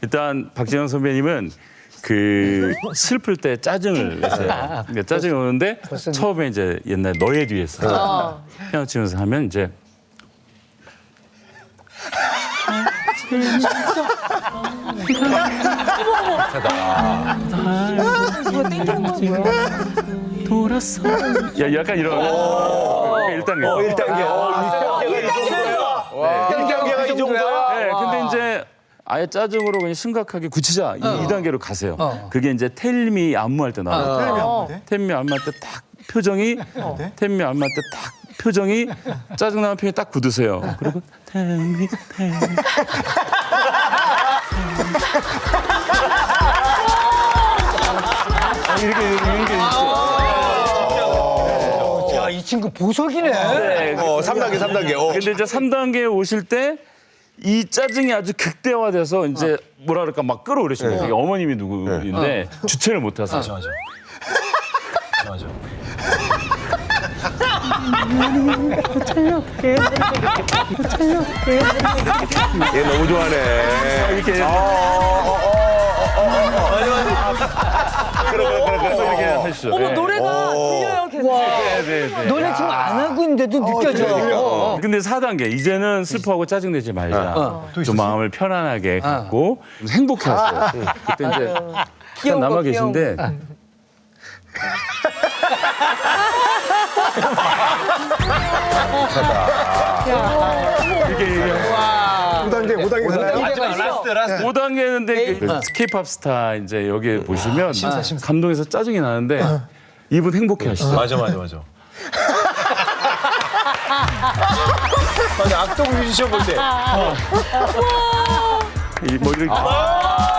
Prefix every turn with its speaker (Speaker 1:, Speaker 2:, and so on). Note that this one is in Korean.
Speaker 1: 일단 박진영 선배님은 그 슬플 때 짜증을 내세요. 그러니까 짜증이 오는데 처음에 이제 옛날 너의 뒤에서 피아노 치면서 하면 이제 돌았어. 야 약간 이런 1단계.
Speaker 2: 1단계가 이 정도야?
Speaker 1: 네, 근데 이제 아예 짜증으로 그냥 심각하게 굳히자 이 2단계로 가세요. 그게 이제 텔미 안무할 때 나와요. 텔미 안무할 때 딱 표정이 텔미 안무할 때 딱 표정이 짜증나는 표정이 딱 굳으세요. 그리고 텔미 이렇게
Speaker 3: 야, 이 친구 보석이네.
Speaker 1: 네.
Speaker 2: 3단계, 3단계.
Speaker 1: 근데 이제 3단계에 오실 때 이 짜증이 아주 극대화돼서 이제 뭐라 그럴까 막 끌어오르시는 거예요. 어머님이 누구인데 주체를 못 하세요.
Speaker 4: 맞아.
Speaker 2: 얘 너무 좋아하네.
Speaker 1: 이렇게 이렇게 하시죠.
Speaker 5: 어머
Speaker 1: 네.
Speaker 5: 노래가 들려요 계속.
Speaker 1: 네.
Speaker 3: 너네 지금 안 하고 있는데도 느껴져.
Speaker 1: 근데 4단계 이제는 슬퍼하고 짜증내지 말자. 좀 마음을 편안하게 갖고 행복해하세요. 그때 이제 잠깐 남아 계신데 이게
Speaker 2: 5단계, 5단계 되나요?
Speaker 1: 5단계인데 그 K-팝 스타 이제 여기 보시면 감동해서 짜증이 나는데 이분 행복해하시죠.
Speaker 4: 맞아. 아니, 악동 뮤지션 볼 때.
Speaker 1: 뭐 이렇게